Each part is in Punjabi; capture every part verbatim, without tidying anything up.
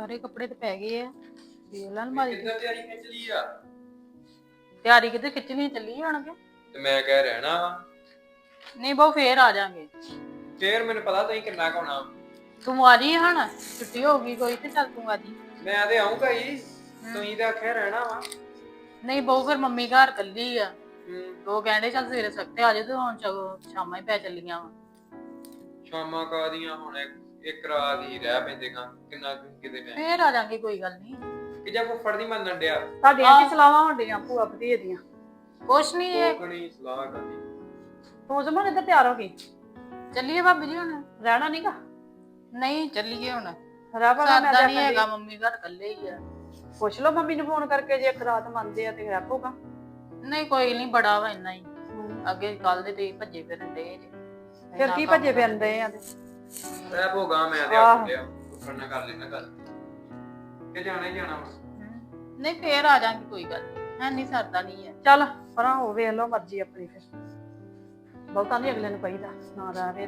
ਸਾਰੇ ਕੱਪੜੇ ਤੇ ਪੈ ਗਏ ਆ ਵੇਖ ਲੈ ਅਲਮਾਰੀ ਕਿੱਦਾਂ ਤਿਆਰੀ ਖਿੱਚ ਲਈ ਆ? ਤਿਆਰੀ ਕਿਤੇ ਖਿੱਚਣੀ ਚੱਲੀ ਹੋਣਗੇ ਤੇ ਮੈਂ ਕਹਿ ਰਹਿਣਾ ਵਾ ਨਹੀਂ ਬਹੁ ਫੇਰ ਆ ਜਾਾਂਗੇ ਫੇਰ ਮੈਨੂੰ ਪਤਾ ਤੁਸੀਂ ਕਿੰਨਾ ਕਾਉਣਾ। ਤੂੰ ਆ ਜੀ ਹਣ ਛੁੱਟੀ ਹੋ ਗਈ ਕੋਈ ਤੇ ਚੱਲ ਤੂੰ ਆ ਜੀ। ਮੈਂ ਤੇ ਆਉਂਗਾ ਹੀ ਤੁਸੀਂ ਤਾਂ ਆਖਿਆ ਰਹਿਣਾ ਵਾ। ਨਹੀਂ ਬਹੁ ਫਿਰ ਮੰਮੀ ਘਰ ਕੱਲੀ ਆ ਹੂੰ ਉਹ ਕਹਿੰਦੇ ਚੱਲ ਸਵੇਰੇ ਸਖਤੇ ਆ ਜਾ ਤੇ ਹੁਣ ਸ਼ਾਮਾਂ ਹੀ ਪੈ ਚੱਲੀਆਂ ਵਾ। ਸ਼ਾਮਾਂ ਕਾਦੀਆਂ ਹੁਣ ਇੱਕ ਰਾਤ ਹੀ ਰਹਿ ਪੈਂਦੇ ਕਾਂ ਕਿੰਨਾ ਕਿਤੇ ਮੈਂ ਫੇਰ ਆ ਜਾਾਂਗੇ ਕੋਈ ਗੱਲ ਨਹੀਂ ਕਿ ਜੇ ਫੁੱਫੜ ਦੀ ਮੰਨਣ ਡਿਆ ਤੁਹਾਡੀਆਂ ਕੀ ਸਲਾਹਾਂ ਹੁੰਦੀਆਂ ਭੂਆ ਭਤੀਏ ਦੀਆਂ? ਕੁਛ ਨਹੀਂ ਇਹ ਕੋਕਣੀ ਸਲਾਹ ਕਰਦੀ। ਤੂੰ ਸਮਝ ਇੱਧਰ ਤਿਆਰ ਹੋ ਗਈ ਚੱਲੀਏ ਭਾਬੀ ਜੀ ਹੁਣ ਰਹਿਣਾ ਨਹੀਂਗਾ? ਨਹੀਂ ਚੱਲੀਏ ਹੁਣ ਰਹਿ ਪਾ ਮੈਂ ਸਰਦਾ ਨਹੀਂ ਹੈਗਾ ਮੰਮੀ ਘਰ ਕੱਲੇ ਹੀ ਆ। ਪੁੱਛ ਲਓ ਮੰਮੀ ਨੂੰ ਫੋਨ ਕਰਕੇ ਜੇ ਇੱਕ ਰਾਤ ਮੰਨਦੇ ਆ ਤੇ ਰਹਿ ਪਊਗਾ। ਨਹੀਂ ਕੋਈ ਨਹੀਂ ਬੜਾ ਵਾ ਇੰਨਾ ਹੀ ਅੱਗੇ ਕੱਲ ਦੇ ਤੇ ਭੱਜੇ ਫਿਰਨ ਦੇ ਫਿਰ ਕੀ ਭੱਜੇ ਫਿਰਦੇ ਆ ਤੇ ਰਹਿ ਪੋਗਾ ਮੈਂ ਤੇ ਆਖ ਲਿਆ ਫੁੱਫੜ ਨਾਲ ਕਰ ਲੈਣਾ ਗੱਲ ਕਿ ਜਾਣਾ ਹੀ ਜਾਣਾ ਵਾ। ਨਹੀਂ ਫੇਰ ਆ ਜਾਾਂਗੇ ਕੋਈ ਗੱਲ ਨਹੀਂ ਹੈ ਨਹੀਂ ਸਰਦਾ ਨਹੀਂ ਹੈ। ਚੱਲ ਪਰਾਂ ਹੋ ਵੇਖ ਲਓ ਮਰਜ਼ੀ ਆਪਣੀ ਫਿਰ ਬਹੁਤਾ ਨਹੀਂ ਅਗਲੇ ਨੂੰ ਕਹੀਦਾ ਨਾ ਰਹੇ।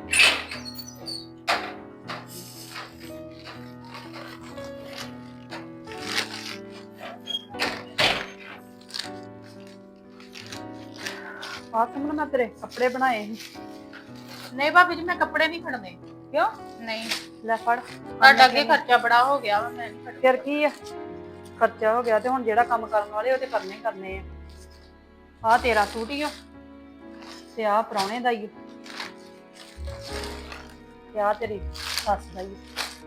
ਆਹ ਸਮਝ ਮੈਂ ਤੇਰੇ ਕੱਪੜੇ ਬਣਾਏ ਸੀ। ਨਹੀਂ ਭਾਬੀ ਜੀ ਮੈਂ ਕੱਪੜੇ ਨਹੀਂ ਖੜਨੇ। ਕਿਉਂ? ਨਹੀਂ ਲੈ ਫੜ ਤੁਹਾਡਾ ਅੱਗੇ ਖਰਚਾ ਬੜਾ ਹੋ ਗਿਆ ਵਾ ਮੈਂ ਨਹੀਂ ਖੜਨਾ। ਫਿਰ ਕੀ ਆ ਖਰਚਾ ਹੋ ਗਿਆ ਤੇ ਹੁਣ ਜਿਹੜਾ ਕੰਮ ਕਰਨ ਵਾਲੇ ਉਹ ਤੇ ਕਰਨੇ ਹੀ ਕਰਨੇ ਆ। ਆਹ ਤੇਰਾ ਸੂਟ ਹੀ ਆ ਤੇ ਆਹ ਪ੍ਰਾਹੁਣੇ ਦਾ ਹੀ ਤੇ ਆਹ ਤੇਰੀ ਸੱਸ ਦਾ ਹੀ।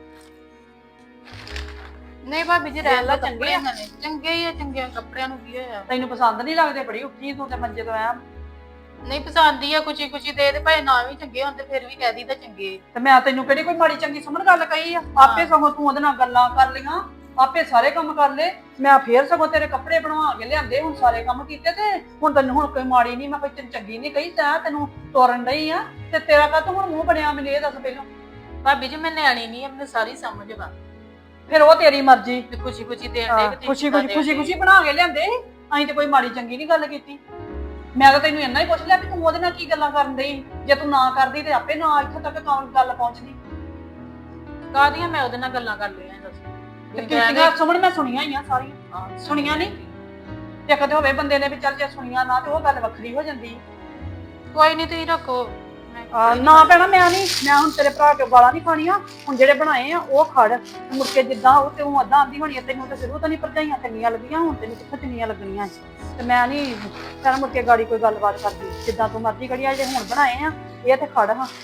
ਨਹੀਂ ਭਾਬੀ ਜੀ ਰਹਿ ਲਾ ਚੰਗੇ ਚੰਗੇ ਆ। ਆ ਚੰਗੇ ਹੀ ਆ ਚੰਗੇ ਕੱਪੜਿਆਂ ਨੂੰ ਕੀ ਹੋਇਆ। ਤੈਨੂੰ ਪਸੰਦ ਨਹੀਂ ਲੱਗਦੇ? ਬੜੀ ਉੱਠੀ ਤੂੰ ਤੇ ਮੰਜੇ ਤੋਂ ਆਇਆ। ਨਹੀਂ ਪਸੰਦ ਹੀ ਆ ਕੁਛੀ ਕੁਛੀ ਦੇ ਤੇ ਭਾਵੇਂ ਨਾ ਵੀ ਚੰਗੇ ਹੁੰਦੇ ਫਿਰ ਵੀ ਕਹਿ ਦੀ ਤਾਂ ਚੰਗੇ। ਤੇ ਮੈਂ ਤੈਨੂੰ ਕਿਹੜੀ ਕੋਈ ਮਾੜੀ ਚੰਗੀ ਸਮਝ ਗੱਲ ਕਹੀ ਆ? ਆਪੇ ਸਗੋਂ ਤੂੰ ਉਹਦੇ ਨਾਲ ਗੱਲਾਂ ਕਰ ਲਈਆਂ ਆਪੇ ਸਾਰੇ ਕੰਮ ਕਰ ਲਏ। ਮੈਂ ਫੇਰ ਸਗੋਂ ਤੇਰੇ ਕੱਪੜੇ ਬਣਵਾ ਕੇ ਲਿਆਂਦੇ ਹੁਣ ਸਾਰੇ ਕੰਮ ਕੀਤੇ ਤੇ ਹੁਣ ਤੈਨੂੰ ਹੁਣ ਕੋਈ ਮਾੜੀ ਨਹੀਂ ਮੈਂ ਕੋਈ ਤੈਨੂੰ ਚੰਗੀ ਨਹੀਂ ਕਹੀ ਤਾਂ ਤੈਨੂੰ ਤੋਰਨ ਡਈ ਆ ਤੇ ਤੇਰਾ ਕਾਹ ਹੁਣ ਮੂੰਹ ਬਣਿਆ ਮੈਨੂੰ ਇਹ ਦੱਸ ਪਹਿਲਾਂ। ਭਾਬੀ ਜੀ ਮੈਂ ਨਿਆਣੀ ਨਹੀਂ ਆ ਮੈਨੂੰ ਸਾਰੀ ਸਮਝ ਵਾ। ਫਿਰ ਉਹ ਤੇਰੀ ਮਰਜ਼ੀ। ਤੇ ਖੁਸ਼ੀ ਖੁਸ਼ੀ ਦੇਣ ਦੇ ਕਿ ਖੁਸ਼ੀ ਖੁਸ਼ੀ ਖੁਸ਼ੀ ਖੁਸ਼ੀ ਬਣਾ ਕੇ ਲਿਆਂਦੇ ਅਸੀਂ ਤੇ ਕੋਈ ਮਾੜੀ ਚੰਗੀ ਨਹੀਂ ਗੱਲ ਕੀਤੀ। ਮੈਂ ਤਾਂ ਤੈਨੂੰ ਇੰਨਾ ਹੀ ਪੁੱਛ ਲਿਆ ਵੀ ਤੂੰ ਉਹਦੇ ਨਾਲ ਕੀ ਗੱਲਾਂ ਕਰਨ ਡਈ। ਜੇ ਤੂੰ ਨਾ ਕਰਦੀ ਤੇ ਆਪੇ ਨਾ ਇੱਥੋਂ ਤੱਕ ਕੌਣ ਗੱਲ ਪਹੁੰਚਦੀ। ਕਾਹਦੀਆਂ ਮੈਂ ਉਹਦੇ ਨਾਲ ਗੱਲਾਂ ਕਰ ਲਈਆਂ ਦੱਸ। ਕੀਤੀਆਂ ਸੁਣ ਮੈਂ ਸੁਣੀਆਂ ਹੀ ਆ ਸਾਰੀਆਂ। ਸੁਣੀਆਂ ਨਹੀਂ ਤੇ ਕਦੇ ਹੋਵੇ ਬੰਦੇ ਨੇ ਵੀ ਚੱਲ ਜੇ ਸੁਣੀਆਂ ਨਾ ਤੇ ਉਹ ਗੱਲ ਵੱਖਰੀ ਹੋ ਜਾਂਦੀ। ਕੋਈ ਨਹੀਂ ਤੁਸੀਂ ਰੱਖੋ ਨਾ ਭੈਣਾ ਮੈਂ ਨਹੀਂ ਮੈਂ ਹੁਣ ਤੇਰੇ ਭਰਾ ਕੇ ਗਾਲਾਂ ਨਹੀਂ ਖਾਣੀਆਂ। ਹੁਣ ਜਿਹੜੇ ਬਣਾਏ ਆ ਉਹ ਖੜ ਮੁੜ ਕੇ ਜਿੱਦਾਂ ਉਹ ਤੇ ਉਹ ਅੱਧਾ ਆਂਦੀ ਹੋਣੀ ਤੈਨੂੰ ਤਾਂ ਸ਼ੁਰੂ ਤੋਂ ਨਹੀਂ ਭਰਜਾਈਆਂ ਚੰਗੀਆਂ ਲੱਗੀਆਂ ਹੁਣ ਤੈਨੂੰ ਕਿੱਥੋਂ ਚੰਗੀਆਂ ਲੱਗਣੀਆਂ ਤੇ ਮੈਂ ਨਹੀਂ ਤੇਰਾ ਮੁੜ ਕੇ ਗਾੜੀ ਕੋਈ ਗੱਲਬਾਤ ਕਰਦੀ ਜਿੱਦਾਂ ਤੂੰ ਮਰਜ਼ੀ ਕਰੀ ਆ। ਜੇ ਹੁਣ ਬਣਾਏ ਆ ਇਹ ਤੇ ਖੜ ਹਾਂ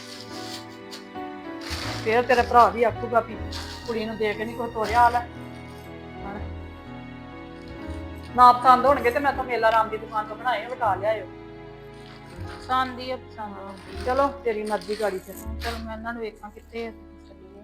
ਫੇਰ ਤੇਰੇ ਭਰਾ ਵੀ ਆਖੂਗਾ ਵੀ ਕੁੜੀ ਨੂੰ ਦੇ ਕੇ ਨਹੀਂ ਕੋਈ ਤੋਰਿਆ ਹਾਲ ਨਾ ਪਸੰਦ ਹੋਣਗੇ ਤੇ ਮੈਂ ਤਾਂ ਮੇਲਾ ਰਾਮ ਦੀ ਦੁਕਾਨ ਤੋਂ ਬਣਾਏ ਵਟਾ ਲਿਆਇਓ। ਪਸੰਦ ਹੀ ਆ ਪਸੰਦ। ਚਲੋ ਤੇਰੀ ਮਰਜ਼ੀ ਗਾੜੀ ਤੇ ਚਲੋ ਮੈਂ ਇਹਨਾਂ ਨੂੰ ਵੇਖਾਂ ਕਿੱਥੇ ਆ ਚੱਲੀਏ।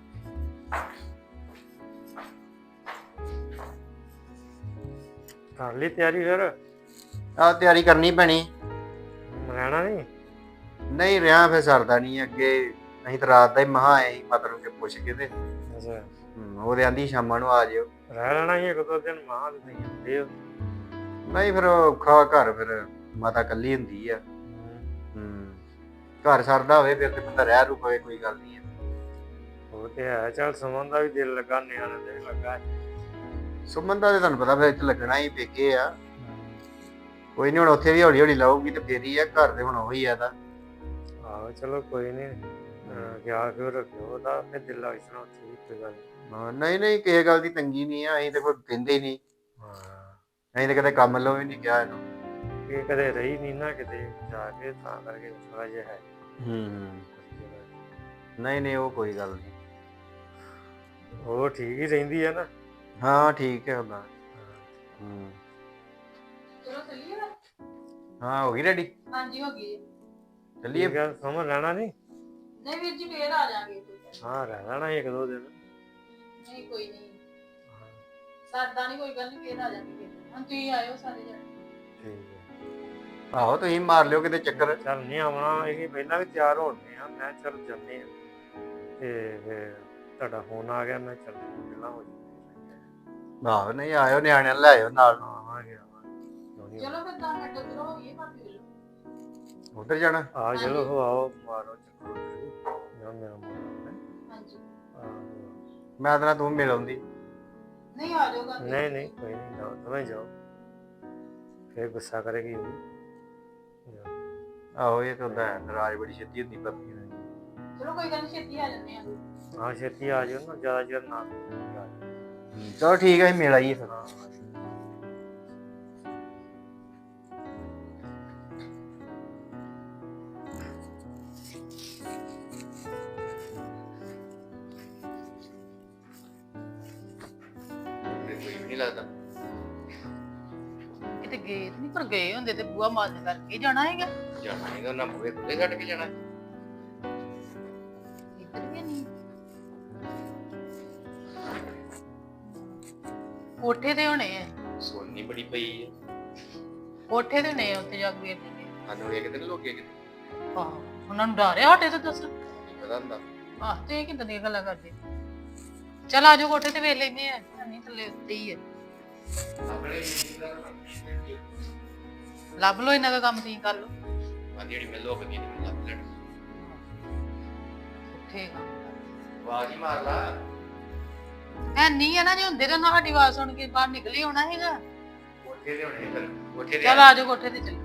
ਕਰ ਲਈ ਤਿਆਰੀ ਫਿਰ? ਆ ਤਿਆਰੀ ਕਰਨੀ ਪੈਣੀ। ਰਹਿਣਾ ਨਹੀਂ? ਨਹੀਂ ਰਿਹਾ ਫਿਰ ਸਰਦਾ ਨਹੀਂ ਅੱਗੇ। ਅਸੀਂ ਤਾਂ ਰਾਤ ਦਾ ਹੀ ਮਹਾ ਆਏ ਸੀ ਮਾਤਾ ਨੂੰ ਕਿ ਪੁੱਛ ਕੇ ਤੇ ਅੱਛਾ ਉਹਦੇ ਆਂਦੀ ਸ਼ਾਮਾਂ ਨੂੰ ਆ ਜਿਓ। ਰਹਿ ਲੈਣਾ ਸੀ ਇੱਕ ਦੋ ਦਿਨ ਮਾਂ ਤੇ ਨਹੀਂ ਹੁੰਦੇ ਹੋ। ਨਹੀਂ ਫਿਰ ਔਖਾ ਘਰ ਫਿਰ ਮਾਤਾ ਕੱਲੀ ਹੁੰਦੀ ਆ। ਹੂੰ ਘਰ ਸਰਦਾ ਹੋਵੇ ਫਿਰ ਤੇ ਬੰਦਾ ਰਹਿ ਰੂ ਪਵੇ ਕੋਈ ਗੱਲ ਨਹੀਂ। ਉਹ ਤੇ ਹੈ ਚੱਲ ਸੁਮਨ ਦਾ ਵੀ ਦਿਲ ਲੱਗਾ ਨਿਆਣੇ ਦੇ ਵੀ ਲੱਗਾ। ਸੁਮਨ ਦਾ ਤੇ ਤੁਹਾਨੂੰ ਪਤਾ ਫਿਰ ਇੱਥੇ ਲੱਗਣਾ ਹੀ ਪੇਕੇ ਆ। ਕੋਈ ਨਹੀਂ ਹੁਣ ਉੱਥੇ ਵੀ ਹੌਲੀ ਹੌਲੀ ਲਾਊਗੀ ਤੇ ਫੇਰ ਹੀ ਆ। ਘਰ ਦੇ ਹੁਣ ਉਹੀ ਆ ਤਾਂ। ਆਹੋ ਚਲੋ ਕੋਈ ਨਹੀਂ ਖਿਆਲ ਕਿਉਂ ਰੱਖਿਓ ਉਹਦਾ ਫਿਰ ਦਿਲ ਲੱਗ ਜਾਣਾ ਉੱਥੇ ਵੀ ਕੋਈ ਗੱਲ ਹਾਂ ਨਹੀਂ ਨਹੀਂ ਕਿਸੇ ਗੱਲ ਦੀ ਤੰਗੀ ਨਹੀਂ ਆ। ਅਸੀਂ ਤੇ ਕੋਈ ਕਹਿੰਦੇ ਹੀ ਨਹੀਂ। ਹਾਂ ਅਸੀਂ ਤਾਂ ਕਦੇ ਕੰਮ ਲੋ ਵੀ ਨਹੀਂ ਕਿਹਾ ਇਹਨੂੰ। ਇਹ ਕਦੇ ਰਹੀ ਨਹੀਂ ਨਾ ਕਿਤੇ ਜਾ ਕੇ ਤਾਂ ਕਰਕੇ ਥੋੜਾ ਜਿਹਾ ਹੈ। ਹੂੰ ਨਹੀਂ ਨਹੀਂ ਉਹ ਕੋਈ ਗੱਲ ਨਹੀਂ। ਉਹ ਠੀਕ ਹੀ ਰਹਿੰਦੀ ਆ ਨਾ? ਹਾਂ ਠੀਕ ਹੈ ਉਹਦਾ। ਹੂੰ ਚਲੋ ਚੱਲੀਏ ਨਾ। ਹਾਂ ਹੋ ਗਈ ਰੈਡੀ? ਹਾਂਜੀ ਹੋ ਗਈ। ਚੱਲੀਏ। ਗੱਲ ਸਮਝ ਲੈਣਾ ਨਹੀਂ? ਨਹੀਂ ਵੀਰ ਜੀ ਫੇਰ ਆ ਜਾਾਂਗੇ। ਹਾਂ ਰਹਿ ਲੈਣਾ ਇੱਕ ਦੋ ਦਿਨ। ਨਹੀਂ ਕੋਈ ਨਹੀਂ ਸਰਦਾ ਨਹੀਂ ਕੋਈ ਗੱਲ ਨਹੀਂ ਫੇਰ ਆ ਜਾਾਂਗੇ। ਹੁਣ ਤੁਸੀਂ ਆਇਓ ਸਾਰੇ ਜਣੇ। ਠੀਕ ਹੈ ਆਹੋ ਤੁਸੀਂ ਮਾਰ ਲਿਓ ਕਿਤੇ ਚੱਕਰ। ਚੱਲ ਨਹੀਂ ਆਉਣਾ ਇਹ ਪਹਿਲਾਂ ਵੀ ਤਿਆਰ ਹੋਣੇ ਆ। ਮੈਂ ਚੱਲ ਜਾਂਦੇ ਆ ਤੇ ਫਿਰ ਤੁਹਾਡਾ ਫੋਨ ਆ ਗਿਆ ਮੈਂ ਚੱਲ ਮਿਲਣਾ ਹੋ ਜਾਊਗਾ। ਆਹੋ ਨਹੀਂ ਆਇਓ ਨਿਆਣਿਆਂ ਨੂੰ ਲੈ ਆਇਓ ਨਾਲ। ਹਾਂ ਆ ਗਿਆ ਚਲੋ ਫਿਰ ਤਾਂ ਮਿੰਟ ਦੂਰ ਹੋ ਗਈ ਭਾਬੀ ਵੱਲੋਂ। ਉਧਰ ਜਾਣਾ? ਆ ਚਲੋ ਹੋ ਆਓ ਮਾਰੋ ਚੱਕਰ ਨਾ ਮੇਰਾ ਮੋੜ। ਹਾਂਜੀ ਮੈਂ ਤਾਂ ਤੂੰ ਮਿਲ ਆਉਂਦੀ। ਨਹੀਂ ਆ ਜਾਊਗਾ ਨਹੀਂ ਨਹੀਂ ਕੋਈ ਨਹੀਂ, ਜਾਓ ਦੋਵੇਂ ਜਾਓ, ਫੇਰ ਗੁੱਸਾ ਕਰੇਗੀ ਉਹ ਵੀ। ਜਾਓ। ਆਹੋ ਇਹ ਤਾਂ ਹੁੰਦਾ ਹੈ, ਨਾਰਾਜ਼ ਬੜੀ ਛੇਤੀ ਹੁੰਦੀ ਭਾਬੀ ਨਾਲ। ਚਲੋ ਕੋਈ ਗੱਲ ਨੀ, ਛੇਤੀ ਆ ਜਾਂਦੇ ਆ। ਹਾਂ ਛੇਤੀ ਆ ਜਾਓ ਨਾ, ਜ਼ਿਆਦਾ ਚਿਰ ਨਾ ਆ ਜਾਓ। ਚਲੋ ਠੀਕ ਹੈ, ਮਿਲ ਆਈਏ ਫਿਰ। ਹਾਂ ਕੋਈ ਵੀ ਨਹੀਂ ਲੱਗਦਾ। ਕਿਤੇ ਗਏ ਨਹੀਂ, ਪਰ ਗਏ ਹੁੰਦੇ ਤੇ ਬੂਆ ਮਾਰਨ ਕਰਕੇ ਜਾਣਾ ਹੈਗਾ। ਜਾਣਾ ਹੈਗਾ ਨਾ, ਬੂਹੇ ਖੁੱਲੇ ਛੱਡ ਕੇ ਜਾਣਾ। ਇੱਧਰ ਵੀ ਨਹੀਂ, ਕੋਠੇ ਤੇ ਹੋਣੇ ਆ। ਸੋਨੀ ਬੜੀ ਪਈ ਹੈ, ਕੋਠੇ ਤੇ ਨੇ ਉੱਤੇ ਜਾ ਕੇ ਵੇਖਦੇ। ਸਾਨੂੰ ਵੇਖਦੇ ਨੇ ਲੋਕੀ ਕਿਤੇ, ਆਹ ਉਹਨਾਂ ਨੂੰ ਡਰ ਆ ਸਾਡੇ ਤੋਂ, ਦੱਸ। ਨਹੀਂ ਪਤਾ ਹੁੰਦਾ। ਆਹ ਤੇ ਇਹ ਕਿੱਦਾਂ ਦੀਆਂ ਗੱਲਾਂ ਕਰਦੇ। ਚੱਲ ਆ ਜਾਓ ਕੋਠੇ ਤੇ ਵੇਖ ਲੈਨੇ ਆ, ਨਹੀਂ ਥੱਲੇ ਉੱਤੇ ਹੀ ਹੈ। ਆਪਣੇ ਲੱਭ ਲੋ ਇਹਨਾਂ ਦਾ ਕੰਮ, ਤੁਸੀਂ ਕਰ ਲੋ। ਆ ਜਿਹੜੀ ਮੈਂ ਲੋਕ ਦੀ ਨਹੀਂ ਲੱਭ ਲੈਣ। ਉੱਥੇ ਆਵਾਜ਼ ਹੀ ਮਾਰ ਲਾ। ਹੈ ਨਹੀਂ ਹੈ ਨਾ, ਜੇ ਹੁੰਦੇ ਤਾਂ ਨਾ ਸਾਡੀ ਆਵਾਜ਼ ਸੁਣ ਕੇ ਬਾਹਰ ਨਿਕਲੇ ਹੋਣਾ ਹੈਗਾ। ਕੋਠੇ ਤੇ ਹੋਣੇ ਫਿਰ, ਕੋਠੇ ਤੇ ਚੱਲ ਆ ਜਾਓ ਕੋਠੇ ਤੇ ਚੱਲ।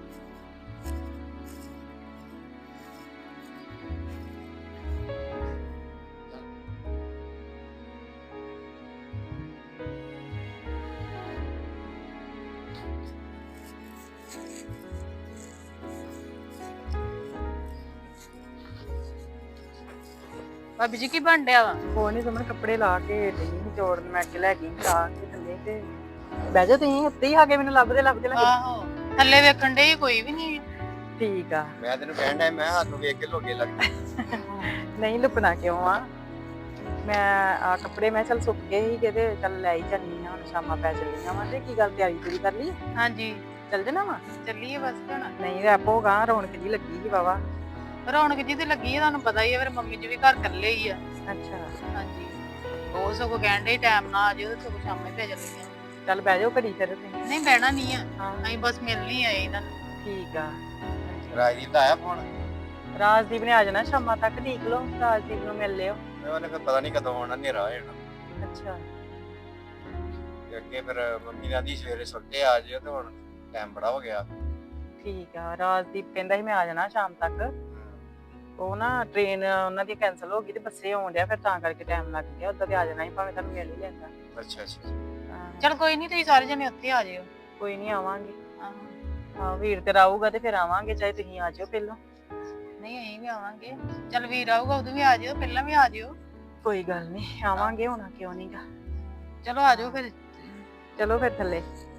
ਭਾਬੀ ਜੀ ਕੀ ਬਣ ਡਿਆ ਵਾ? ਕੋਈ ਨਹੀਂ, ਤੁਮਨ ਕੱਪੜੇ ਲਾ ਕੇ ਡਈ ਨਿਚੋੜਨ, ਮੈਂ ਅੱਗੇ ਲੈ ਗਈ ਲਾ ਕੇ ਥੱਲੇ ਤੇ ਬਹਿ ਜਾਓ ਤੁਸੀਂ ਉੱਤੇ ਹੀ ਆ ਕੇ, ਮੈਨੂੰ ਲੱਭਦੇ ਲੱਭਦੇ ਲੱਗੇ। ਆਹੋ ਥੱਲੇ ਵੇਖਣ ਦੇ ਕੋਈ ਵੀ ਨਹੀਂ। ਠੀਕ ਆ, ਮੈਂ ਤੈਨੂੰ ਕਹਿਣ ਡਿਆ, ਮੈਂ ਹੱਥ ਨੂੰ ਵੇਖ ਕੇ ਲੋਗੇ ਲੱਗਦਾ। ਨਹੀਂ ਲੁਕਣਾ ਕਿਉਂ ਆ। ਮੈਂ ਆ ਕੱਪੜੇ ਮੈਂ ਚੱਲ ਸੁੱਕ ਗਏ ਸੀ ਕਿਤੇ, ਚੱਲ ਲੈ ਹੀ ਜਾਂਦੀ ਆ, ਹੁਣ ਸ਼ਾਮਾਂ ਪੈ ਚੱਲੀਆਂ ਵਾ। ਤੇ ਕੀ ਗੱਲ, ਤਿਆਰੀ ਪੂਰੀ ਕਰ ਲਈ? ਹਾਂਜੀ ਚੱਲ ਜਾਣਾ ਵਾ? ਚੱਲੀਏ ਬਸ ਹੁਣ। ਨਹੀਂ ਰੈਪੋ ਗਾ, ਰੌਣਕ ਜੀ ਲੱਗੀ ਸੀ ਵਾਵਾ। ਰੌਣਕ ਜੀ ਤੇ ਲੱਗੀ ਹੈ, ਤੁਹਾਨੂੰ ਪਤਾ ਹੀ ਹੈ, ਫਿਰ ਮੰਮੀ ਜੀ ਵੀ ਘਰ ਇਕੱਲੇ ਹੀ ਆ। ਅੱਛਾ ਹਾਂਜੀ ਉਹ ਸਗੋਂ ਕਹਿਣ ਦੇ ਟਾਈਮ ਨਾਲ ਆ ਜਿਓ, ਸਗੋਂ ਸ਼ਾਮੇ ਪੈ ਜਾਂਦੀਆਂ। ਚੱਲ ਬਹਿ ਜਾਓ ਘੜੀ ਫਿਰ ਤੁਸੀਂ। ਨਹੀਂ ਬਹਿਣਾ ਨਹੀਂ ਆ, ਹਾਂ ਅਸੀਂ ਬਸ ਮਿਲਣ ਹੀ ਆਏ ਇਹਨਾਂ ਨੂੰ। ਠੀਕ ਆ। ਰਾਜਦੀਪ ਦਾ ਆਇਆ ਫੋਨ? ਰਾਜਦੀਪ ਨੇ ਆ ਜਾਣਾ ਸ਼ਾਮਾਂ ਤੱਕ, ਦੇਖ ਲਓ ਰਾਜਦੀਪ ਨੂੰ ਮਿਲ ਲਿਓ। ਉਹਨੇ ਫਿਰ ਪਤਾ ਨਹੀਂ ਕਦੋਂ ਆਉਣਾ, ਹਨੇਰਾ ਹੋ ਜਾਣਾ। ਅੱਛਾ ਤੇ ਅੱਗੇ ਫਿਰ ਮੰਮੀ ਨੇ ਆਂਦੀ ਸਵੇਰੇ ਸੁੱਤੇ ਆ ਜਿਓ, ਤੇ ਹੁਣ ਟਾਈਮ ਬੜਾ ਹੋ ਗਿਆ। ਠੀਕ ਆ। ਰਾਜਦੀਪ ਕਹਿੰਦਾ ਸੀ ਮੈਂ ਆ ਜਾਣਾ ਸ਼ਾਮ ਤੱਕ। ਉਹ ਨਾ ਟ੍ਰੇਨ ਉਹਨਾਂ ਦੀ ਕੈਨਸਲ ਹੋ ਗਈ ਤੇ ਬੱਸੇ ਆਉਣ ਡਿਆ, ਫਿਰ ਤਾਂ ਕਰਕੇ ਟਾਈਮ ਲੱਗ ਗਿਆ। ਉਦੋਂ ਤੇ ਆ ਜਾਣਾ ਸੀ, ਭਾਵੇਂ ਤੁਹਾਨੂੰ ਮਿਲ ਹੀ ਲੈਂਦਾ। ਅੱਛਾ ਅੱਛਾ। ਹਾਂ, ਚਲ ਕੋਈ ਨਹੀਂ, ਤੁਸੀਂ ਸਾਰੇ ਜਣੇ ਉੱਥੇ ਆ ਜਿਓ। ਕੋਈ ਨਹੀਂ ਆਵਾਂਗੇ। ਆਹੋ ਹਾਂ ਵੀਰ ਤੇ ਆਊਗਾ ਤੇ ਫਿਰ ਆਵਾਂਗੇ, ਚਾਹੇ ਤੁਸੀਂ ਆ ਜਾਓ ਪਹਿਲਾਂ। ਨਹੀਂ ਅਸੀਂ ਵੀ ਆਵਾਂਗੇ। ਚਲ ਵੀਰ ਆਊਗਾ ਉਦੋਂ ਵੀ ਆ ਜਿਓ, ਪਹਿਲਾਂ ਵੀ ਆ ਜਿਓ। ਕੋਈ ਗੱਲ ਨਹੀਂ, ਆਵਾਂਗੇ, ਹੋਣਾ ਕਿਉਂ ਨਹੀਂਗਾ। ਚਲੋ ਆ ਜਾਓ ਫਿਰ। ਚਲੋ ਫਿਰ ਥੱਲੇ।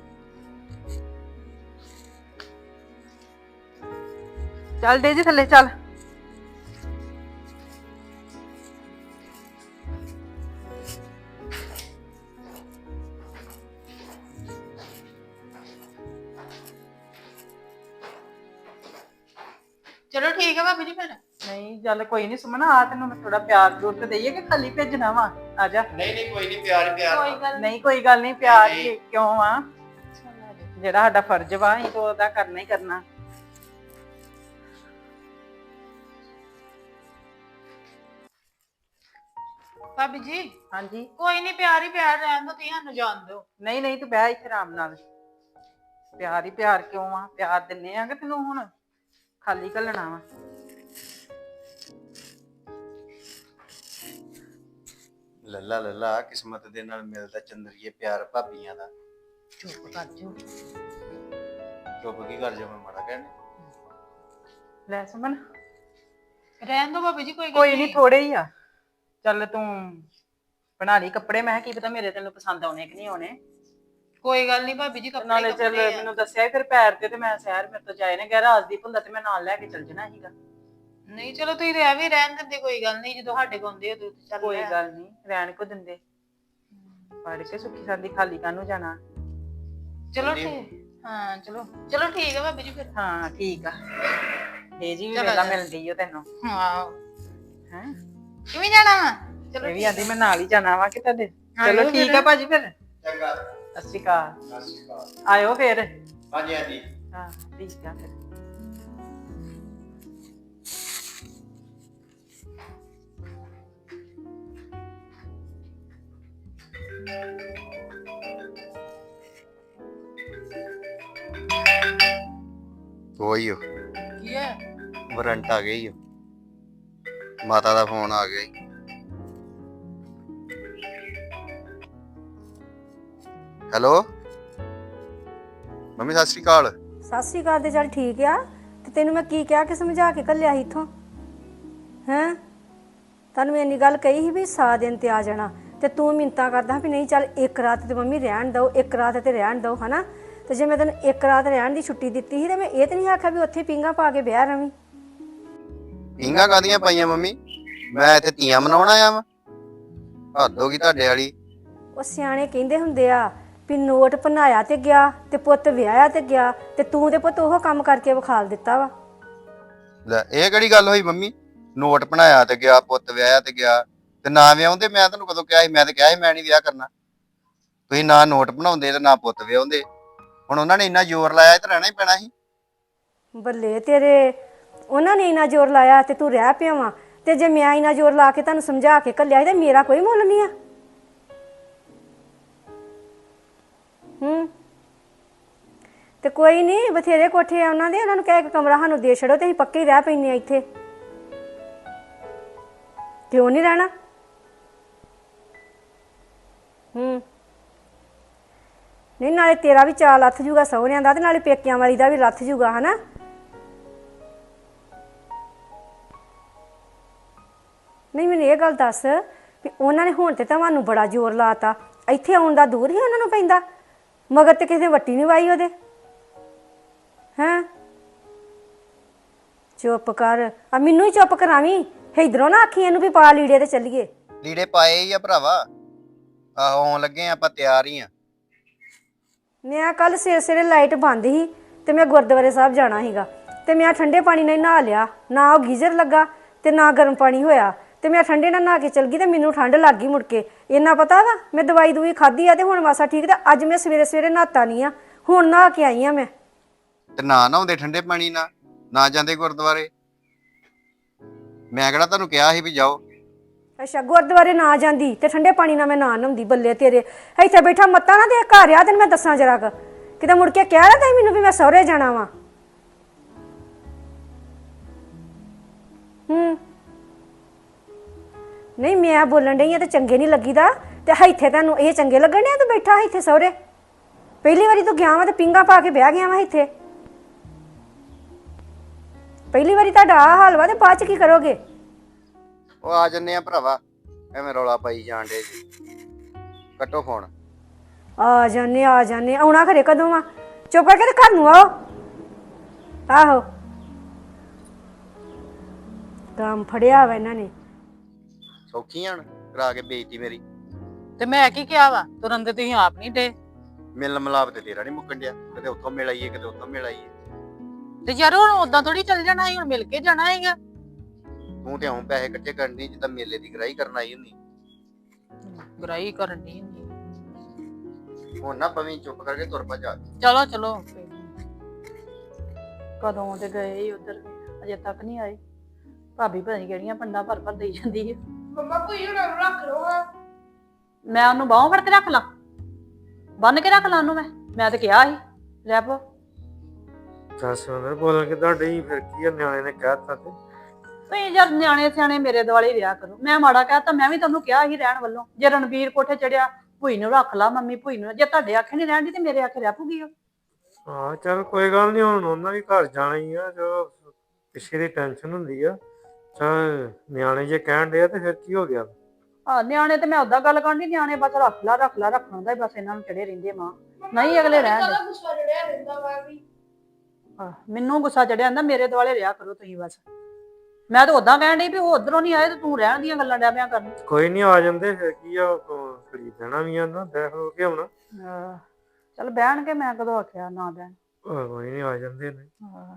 ਚੱਲ ਦੇ ਜੀ ਥੱਲੇ ਚੱਲ। ਚਲੋ ਠੀਕ ਹੈ ਭਾਬੀ ਜੀ ਫਿਰ। ਨਹੀਂ ਚੱਲ ਕੋਈ ਨਹੀਂ ਸੁਮਨ, ਆ ਤੈਨੂੰ ਮੈਂ ਥੋੜਾ ਪਿਆਰ ਜ਼ਰੂਰ ਤੇ ਦਈਏ ਕਿ ਖਾਲੀ ਭੇਜਣਾ ਵਾ? ਆ ਜਾ। ਨਹੀਂ ਨਹੀਂ ਕੋਈ ਨਹੀਂ, ਪਿਆਰ ਹੀ ਪਿਆਰ। ਕੋਈ ਗੱਲ ਨਹੀਂ ਕੋਈ ਗੱਲ ਨਹੀਂ, ਪਿਆਰ ਨਹੀਂ, ਹੀ ਕਿਉਂ ਆ, ਨਹੀਂ। ਜਿਹੜਾ ਸਾਡਾ ਫਰਜ਼ ਵਾ ਅਸੀਂ ਤਾਂ ਉਹਦਾ ਕਰਨਾ ਹੀ ਕਰਨਾ। ਭਾਬੀ ਜੀ ਹਾਂਜੀ ਕੋਈ ਨਹੀਂ, ਪਿਆਰ ਹੀ ਪਿਆਰ, ਰਹਿਣ ਦੋ, ਤੁਸੀਂ ਸਾਨੂੰ ਜਾਣ ਦਿਓ। ਨਹੀਂ ਨਹੀਂ, ਤੂੰ ਬਹਿ ਇੱਥੇ ਆਰਾਮ ਨਾਲ। ਪਿਆਰ ਹੀ ਪਿਆਰ ਕਿਉਂ ਆ, ਪਿਆਰ ਦਿੰਨੇ ਆ ਕਿ ਤੈਨੂੰ ਹੁਣ ਖਾਲੀ ਘੱਲਣਾ ਵਾ? ਲੱਲਾ ਲੱਲਾ, ਕਿਸਮਤ ਦੇ ਨਾਲ ਮਿਲਦਾ ਚੰਦਰੀਏ ਪਿਆਰ ਭਾਬੀਆਂ ਦਾ। ਚੁੱਪ ਕਰ ਜਾਓ। ਚੁੱਪ ਕੀ ਕਰ ਜਾ, ਮੈਂ ਮਾੜਾ ਕਹਿਣ। ਲੈ ਸੁਮਨ, ਰਹਿਣ ਦੋ ਭਾਬੀ ਜੀ, ਕੋਈ ਗੱਲ ਕੋਈ ਨਹੀਂ, ਥੋੜੇ ਹੀ ਆ। ਚੱਲ ਤੂੰ ਬਣਾ ਲਈ ਕੱਪੜੇ, ਮੈਂ ਕਿਹਾ ਕੀ ਪਤਾ ਮੇਰੇ ਤੈਨੂੰ ਪਸੰਦ ਆਉਣੇ ਕਿ ਨਹੀਂ ਆਉਣੇ। ਕੋਈ ਗੱਲ ਨਹੀਂ ਭਾਬੀ ਜੀ, ਕੱਪੜੇ ਨਾਲੇ ਚੱਲ ਕੱਪੜੇ ਆ। ਮੈਨੂੰ ਦੱਸਿਆ ਫਿਰ ਪੈਰ ਤੇ, ਤੇ ਮੈਂ ਸ਼ਹਿਰ ਮੇਰੇ ਤੋਂ ਜਾਏ ਨੇ ਗਿਆ, ਰਾਜਦੀਪ ਹੁੰਦਾ ਤੇ ਮੈਂ ਨਾਲ ਲੈ ਕੇ ਚੱਲ ਜਾਣਾ ਸੀਗਾ। ਨਹੀਂ ਚਲੋ ਤੁਸੀਂ ਰਹਿ ਵੀ ਰਹਿਣ ਦਿੰਦੇ, ਕੋਈ ਗੱਲ ਨਹੀਂ, ਜਦੋਂ ਸਾਡੇ ਕੋਲ ਆਉਂਦੇ ਹੋ ਤੁਸੀਂ ਚੱਲ ਕੋਈ ਲੈ। ਗੱਲ ਨਹੀਂ, ਰਹਿਣ ਕੋ ਦਿੰਦੇ। ਪੜ ਕੇ ਸੁੱਖੀ ਸਾਂਦੀ ਖਾਲੀ ਕਾਹਨੂੰ ਜਾਣਾ। ਚਲੋ ਠੀਕ, ਹਾਂ ਚਲੋ ਚਲੋ ਠੀਕ ਹੈ ਭਾਬੀ ਜੀ ਫਿਰ। ਹਾਂ ਠੀਕ ਆ। ਇਹ ਜੀ ਵੀ ਚਲੋ ਵੇਲਾ ਜਾ। ਮਿਲਦੀ ਓ ਤੈਨੂੰ ਹਾਂ ਹੈ। ਕਿਵੇਂ ਜਾਣਾ ਵਾ? ਚਲੋ ਇਹ ਵੀ ਠੀਕ ਆਂਦੀ ਮੈਂ ਨਾਲ ਹੀ ਜਾਣਾ ਵਾ ਕਿ ਤੁਹਾਡੇ। ਆ ਚਲੋ ਜਾਓ ਠੀਕ ਫਿਰ। ਆ ਭਾਜੀ ਫਿਰ। ਚੰਗਾ, ਸਤਿ ਸ਼੍ਰੀ ਅਕਾਲ। ਸਤਿ ਸ਼੍ਰੀ ਅਕਾਲ। ਆਇਓ ਫਿਰ। ਹਾਂਜੀ ਹਾਂਜੀ। ਹਾਂ ਠੀਕ ਆ ਫਿਰ। ਉਹੀ ਓ ਕੀ ਹੈ? ਵਾਰੰਟ ਆ ਗਈ ਓ ਮਾਤਾ ਦਾ ਫੋਨ ਆ ਗਿਆ ਈ। ਹੈਲੋ ਮੰਮੀ ਸਤਿ ਸ਼੍ਰੀ ਅਕਾਲ। ਸਤਿ ਸ਼੍ਰੀ ਅਕਾਲ ਤੇ ਚੱਲ ਠੀਕ ਆ ਤੇ ਤੈਨੂੰ ਮੈਂ ਕੀ ਕਿਹਾ ਕਿ ਸਮਝਾ ਕੇ ਘੱਲਿਆ ਸੀ ਇੱਥੋਂ ਹੈਂ ਤੈਨੂੰ ਇੰਨੀ ਗੱਲ ਕਹੀ ਸੀ ਵੀ ਸਾ ਦਿਨ ਤੇ ਆ ਜਾਣਾ ਤੇ ਤੂੰ ਮਿੰਤਾ ਕਰਦਾ ਵੀ ਨਹੀਂ ਚੱਲ ਇੱਕ ਰਾਤ ਤੇ ਮੰਮੀ ਰਹਿਣ ਦਿਓ ਇੱਕ ਰਾਤ ਤੇ ਰਹਿਣ ਦਿਓ ਹਨਾ ਤੇ ਜੇ ਮੈਂ ਤੈਨੂੰ ਇੱਕ ਰਾਤ ਰਹਿਣ ਦੀ ਛੁੱਟੀ ਦਿੱਤੀ ਸੀ ਤੇ ਮੈਂ ਇਹ ਤੇ ਨਹੀਂ ਆਖਿਆ ਵੀ ਉੱਥੇ ਪਿੰਗਾ ਪਾ ਕੇ ਵਿਆਹ ਰਵੀਂ। ਪੀਂਘਾਂ ਕਾਹਦੀਆਂ ਪਾਈਆਂ ਮੰਮੀ ਮੈਂ ਇੱਥੇ ਤੀਆਂ ਮਨਾਉਣ ਆਇਆ ਵਾਂ ਹੱਦ ਹੋ ਗਈ ਤੁਹਾਡੇ ਵਾਲੀ। ਉਹ ਸਿਆਣੇ ਕਹਿੰਦੇ ਹੁੰਦੇ ਆ ਵੀ ਨੋਟ ਭਨਾਇਆ ਤੇ ਗਿਆ ਤੇ ਪੁੱਤ ਵਿਆਹਿਆ ਤੇ ਗਿਆ ਤੇ ਤੂੰ ਤੇ ਪੁੱਤ ਉਹ ਕੰਮ ਕਰਕੇ ਵਿਖਾਲ ਦਿੱਤਾ ਵਾ। ਲੈ ਇਹ ਕਿਹੜੀ ਗੱਲ ਹੋਈ ਮੰਮੀ ਨੋਟ ਬਣਾਇਆ ਤੇ ਗਿਆ ਪੁੱਤ ਵਿਆਹਿਆ ਤੇ ਗਿਆ ਤੇ ਨਾ ਵਿਆਹੁੰਦੇ ਮੈਂ ਤੁਹਾਨੂੰ ਕਦੋਂ ਕਿਹਾ ਸੀ ਮੈਂ ਤੇ ਕਿਹਾ ਸੀ ਮੈਂ ਨਹੀਂ ਵਿਆਹ ਕਰਨਾ ਤੁਸੀਂ ਨਾ ਨੋਟ ਬਣਾਉਂਦੇ ਤੇ ਨਾ ਪੁੱਤ ਵਿਆਹੁੰਦੇ ਹੁਣ ਉਹਨਾਂ ਨੇ ਇੰਨਾ ਜ਼ੋਰ ਲਾਇਆ ਤੇ ਰਹਿਣਾ ਹੀ ਪੈਣਾ ਸੀ। ਬੱਲੇ ਤੇਰੇ ਉਹਨਾਂ ਨੇ ਇੰਨਾ ਜ਼ੋਰ ਲਾਇਆ ਤੇ ਤੂੰ ਰਹਿ ਪਿਆ ਵਾ ਤੇ ਜੇ ਮੈਂ ਇੰਨਾ ਜ਼ੋਰ ਲਾ ਕੇ ਤੁਹਾਨੂੰ ਸਮਝਾ ਕੇ ਘੱਲਿਆ ਸੀ ਤੇ ਮੇਰਾ ਕੋਈ ਮੁੱਲ ਨਹੀਂ ਆ। ਹੂੰ ਤੇ ਕੋਈ ਨਹੀਂ ਬਥੇਰੇ ਕੋਠੇ ਆ ਉਹਨਾਂ ਦੇ ਉਹਨਾਂ ਨੂੰ ਕਹਿ ਕੇ ਕਮਰਾ ਸਾਨੂੰ ਦੇ ਛੱਡੋ ਤੇ ਅਸੀਂ ਪੱਕੇ ਹੀ ਰਹਿ ਪੈਂਦੇ ਆ ਇੱਥੇ। ਕਿਉਂ ਨਹੀਂ ਰਹਿਣਾ? ਹੂੰ ਨਹੀਂ ਨਾਲੇ ਤੇਰਾ ਵੀ ਚਾਅ ਲੱਥ ਜੂਗਾ ਸਹੁਰਿਆਂ ਦਾ ਤੇ ਨਾਲੇ ਪੇਕਿਆਂ ਵਾਲੀ ਦਾ ਵੀ ਲੱਥ ਜੂਗਾ ਹਨਾ। ਨਹੀਂ ਮੈਨੂੰ ਇਹ ਗੱਲ ਦੱਸ ਵੀ ਉਹਨਾਂ ਨੇ ਹੁਣ ਤੇ ਤੁਹਾਨੂੰ ਬੜਾ ਜ਼ੋਰ ਲਾਤਾ ਇੱਥੇ ਆਉਣ ਦਾ ਦੂਰ ਹੀ ਉਹਨਾਂ ਨੂੰ ਪੈਂਦਾ ਮਗਰ ਤੇ ਕਿਸੇ ਵੱਟੀ ਨਹੀਂ ਵਾਈ ਉਹਦੇ ਹੈਂ। ਚੁੱਪ ਕਰ ਆ ਮੈਨੂੰ ਹੀ ਚੁੱਪ ਕਰਾਵੀਂ ਇਧਰੋਂ ਨਾ ਆਖੀ ਇਹਨੂੰ ਵੀ ਪਾ ਲੀੜੇ ਤੇ ਚੱਲੀਏ। ਲੀੜੇ ਪਾਏ ਹੀ ਆ ਭਰਾਵਾ ਆਹੋ ਆਉਣ ਲੱਗੇ ਆਪਾਂ ਤਿਆਰ ਹੀ ਆ। ਮੈਂ ਕੱਲ ਸਵੇਰੇ ਸਵੇਰੇ ਲਾਈਟ ਬੰਦ ਸੀ ਤੇ ਮੈਂ ਗੁਰਦੁਆਰੇ ਸਾਹਿਬ ਜਾਣਾ ਸੀਗਾ ਤੇ ਮੈਂ ਠੰਡੇ ਪਾਣੀ ਨਾਲ ਨਹਾ ਲਿਆ ਨਾ ਉਹ ਗੀਜ਼ਰ ਲੱਗਾ ਤੇ ਨਾ ਗਰਮ ਪਾਣੀ ਹੋਇਆ ਤੇ ਮੈਂ ਠੰਡੇ ਨਾਲ ਨਹਾ ਕੇ ਚਲ ਗਈ ਤੇ ਮੈਨੂੰ ਠੰਡ ਲੱਗ ਗਈ ਮੁੜ ਕੇ ਇੰਨਾ ਪਤਾ ਵਾ ਮੈਂ ਦਵਾਈ ਦੂਈ ਖਾਧੀ ਆ ਤੇ ਹੁਣ ਮਾਸਾ ਠੀਕ ਤੇ ਅੱਜ ਮੈਂ ਸਵੇਰੇ ਸਵੇਰੇ ਨਹਾਤਾ ਨਹੀਂ ਆ ਹੁਣ ਨਹਾ ਕੇ ਆਈ ਆ ਮੈਂ। ਤੇ ਨਾ ਨਹਾਉਂਦੇ ਠੰਡੇ ਪਾਣੀ ਨਾਲ ਨਾ ਜਾਂਦੇ ਗੁਰਦੁਆਰੇ ਮੈਂ ਕਿਹੜਾ ਤੁਹਾਨੂੰ ਕਿਹਾ ਸੀ ਵੀ ਜਾਓ। ਅੱਛਾ ਗੁਰਦੁਆਰੇ ਨਾ ਜਾਂਦੀ ਤੇ ਠੰਡੇ ਪਾਣੀ ਨਾਲ ਮੈਂ ਨਾ ਨਹਾਉਂਦੀ ਬੱਲੇ ਤੇਰੇ ਇੱਥੇ ਬੈਠਾ ਮੱਤਾ ਨਾ ਦੇ ਘਰ ਆ ਤੈਨੂੰ ਮੈਂ ਦੱਸਾਂ ਜਰਾ ਕੁ ਕਿਤੇ ਮੁੜ ਕੇ ਕਹਿ ਰਿਹਾ ਤਾਂ ਮੈਨੂੰ ਵੀ ਮੈਂ ਸਹੁਰੇ ਜਾਣਾ ਵਾ। ਹੂੰ ਨਹੀਂ ਮੈਂ ਬੋਲਣ ਡਈ ਆ ਤੇ ਚੰਗੇ ਨਹੀਂ ਲੱਗੀਦਾ ਤੇ ਇੱਥੇ ਤੈਨੂੰ ਇਹ ਚੰਗੇ ਲੱਗਣ ਡਿਆ ਤੂੰ ਬੈਠਾ ਇੱਥੇ ਸਹੁਰੇ ਪਹਿਲੀ ਵਾਰੀ ਤੂੰ ਗਿਆ ਵਾ ਤੇ ਪਿੰਗਾ ਪਾ ਕੇ ਵਿਆਹ ਗਿਆ ਵਾ ਇੱਥੇ ਪਹਿਲੀ ਵਾਰੀ ਤੁਹਾਡਾ ਆਹ ਹਾਲ ਵਾ ਤੇ ਬਾਅਦ ਚ ਕੀ ਕਰੋਗੇ? ਉਹ ਆ ਜੰਨੇ ਆ ਭਰਾਵਾ ਐਵੇਂ ਰੌਲਾ ਪਾਈ ਜਾਣ ਡੇ ਜੀ ਕੱਟੋ ਫੋਨ। ਆ ਜਾਨੇ ਆ ਜਾਨੇ ਆਉਣਾ ਘਰੇ ਕਦੋਂ ਆ? ਚੁੱਪ ਕਰਕੇ ਤੇ ਘਰ ਨੂੰ ਆਓ। ਆਹੋ ਕੰਮ ਫੜਿਆ ਵਾ ਇਹਨਾਂ ਨੇ। ਸੌਖੀ ਹਣ ਕਰਾ ਕੇ ਬੇਇੱਜ਼ਤੀ ਮੇਰੀ ਤੇ ਮੈਂ ਕੀ ਕਿਹਾ ਵਾ ਤੁਰੰਤ ਤੁਸੀਂ ਆਪ ਨਹੀਂ ਡੇ ਮਿਲਣ ਮਲਾਪ ਤੇ ਤੇਰਾ ਨਹੀਂ ਮੁੱਕਣ ਡਿਆ ਕਿਤੇ ਉੱਥੋਂ ਮਿਲ ਆਈਏ ਕਿਤੇ ਉੱਥੋਂ ਮਿਲ ਆਈਏ। ਤੇ ਯਾਰ ਹੁਣ ਉਦਾਂ ਥੋੜੀ ਚੱਲ ਜਾਣਾ ਸੀ ਹੁਣ ਮਿਲ ਕੇ ਜਾਣਾ ਹੈਗਾ। ਤੂੰ ਤੇ ਹੁਣ ਪੈਸੇ ਇਕੱਠੇ ਕਰਨੀ ਜਿੱਦਾਂ ਮੇਲੇ ਦੀ ਗਰਾਈ ਕਰਨ ਆਈ ਹੁੰਦੀ ਗਰਾਈ ਕਰਨੀ ਹੁੰਦੀ ਹੁਣ ਨਾ ਪਵੀਂ ਚੁੱਪ ਕਰਕੇ ਤੁਰ ਪਾ ਜਾ। ਚਲੋ ਚਲੋ ਕਦੋਂ ਤੇ ਗਏ ਹੀ ਉਧਰ ਅਜੇ ਤੱਕ ਨਹੀਂ ਆਏ ਭਾਬੀ ਪਤਾ ਨਹੀਂ ਕਿਹੜੀਆਂ ਪੰਡਾਂ ਭਰ ਭਰ ਦੇਈ ਜਾਂਦੀ ਹੈ। ਮੰਮਾ ਕੋਈ ਹੁਣ ਰੱਖ ਲਓ ਹਾਂ। ਮੈਂ ਉਹਨੂੰ ਬਾਹੋਂ ਫੜ ਕੇ ਰੱਖ ਲਾਂ ਬੰਨ ਕੇ ਰੱਖ ਲਾਂ ਉਹਨੂੰ ਮੈਂ ਮੈਂ ਤੇ ਕਿਹਾ ਸੀ ਲੈ ਪੋ। ਦੱਸ ਉਹਨਾਂ ਬੋਲਣ ਕਿੱਦਾਂ ਡਈ ਫਿਰ ਕੀ ਆ ਨਿਆਣੇ ਨੇ ਕਹਿਤਾ ਤੇ ਤੁਸੀਂ ਯਾਰ ਨਿਆਣੇ ਸਿਆਣੇ ਮੇਰੇ ਦੁਆਲੇ ਰਿਹਾ ਕਰੋ ਮੈਂ ਮਾੜਾ ਕਹਿਤਾ ਮੈਂ ਵੀ ਤੁਹਾਨੂੰ ਕਿਹਾ ਸੀ ਰਹਿਣ ਵੱਲੋਂ ਜੇ ਰਣਵੀਰ ਕੋਠੇ ਚੜਿਆ ਭੂਈ ਨੂੰ ਰੱਖ ਲਾ ਮੰਮੀ ਭੂਈ ਨੂੰ ਜੇ ਤੁਹਾਡੇ ਆਖੇ ਨਹੀਂ ਰਹਿਣ ਦੀ ਤੇ ਮੇਰੇ ਆਖੇ ਰਹਿ ਪੂਗੀ ਉਹ। ਹਾਂ ਚੱਲ ਕੋਈ ਗੱਲ ਨਹੀਂ ਹੁਣ ਉਹਨਾਂ ਵੀ ਘਰ ਜਾਣਾ ਹੀ ਆ ਜੋ ਪਿੱਛੇ ਦੀ ਟੈਨਸ਼ਨ ਹੁੰਦੀ ਆ ਚੱਲ ਨਿਆਣੇ ਜੇ ਕਹਿਣ ਡਿਆ ਤੇ ਫਿਰ ਕੀ ਹੋ ਗਿਆ? ਆ ਨਿਆਣੇ ਤੇ ਮੈਂ ਉਦਾਂ ਗੱਲ ਕਰਨੀ ਨਿਆਣੇ ਬਸ ਰੱਖ ਲਾ ਰੱਖ ਲਾ ਰੱਖਣ ਦਾ ਬਸ ਇਹਨਾਂ ਨੂੰ ਚੜੇ ਰਹਿੰਦੇ ਮਾਂ ਨਹੀਂ ਅਗਲੇ ਰਹਿਣ ਦੇ। ਕਦਾ ਗੁੱਸਾ ਚੜਿਆ ਰਹਿੰਦਾ ਵਾ ਵੀ ਆਹ, ਮੈਨੂੰ ਗੁੱਸਾ ਚੜਿਆ ਜਾਂਦਾ ਮੇਰੇ ਦੁਆਲੇ ਰਿਹਾ ਕਰੋ ਤੁਸੀਂ ਬਸ ਮੈਂ ਤਾਂ ਉਦਾਂ ਕਹਿਣ ਡਈ ਵੀ ਉਹ ਉਧਰੋਂ ਨਹੀਂ ਆਏ ਤੇ ਤੂੰ ਰਹਿਣ ਦੀਆਂ ਗੱਲਾਂ ਡਿਆ ਪਿਆ ਕਰਨ। ਕੋਈ ਨਹੀਂ ਆ ਜਾਂਦੇ ਫਿਰ ਕੀ ਆ ਖੜੀ ਦੇਣਾ ਵੀ ਆ ਨਾ ਦੇਖ ਲੋ ਕੇ ਹੁਣ ਆਹ, ਚੱਲ ਬਹਿਣ ਕੇ ਮੈਂ ਕਦੋਂ ਆਖਿਆ ਨਾ ਬਹਿਣ। ਕੋਈ ਨਹੀਂ ਆ ਜਾਂਦੇ ਨੇ। ਆਹ,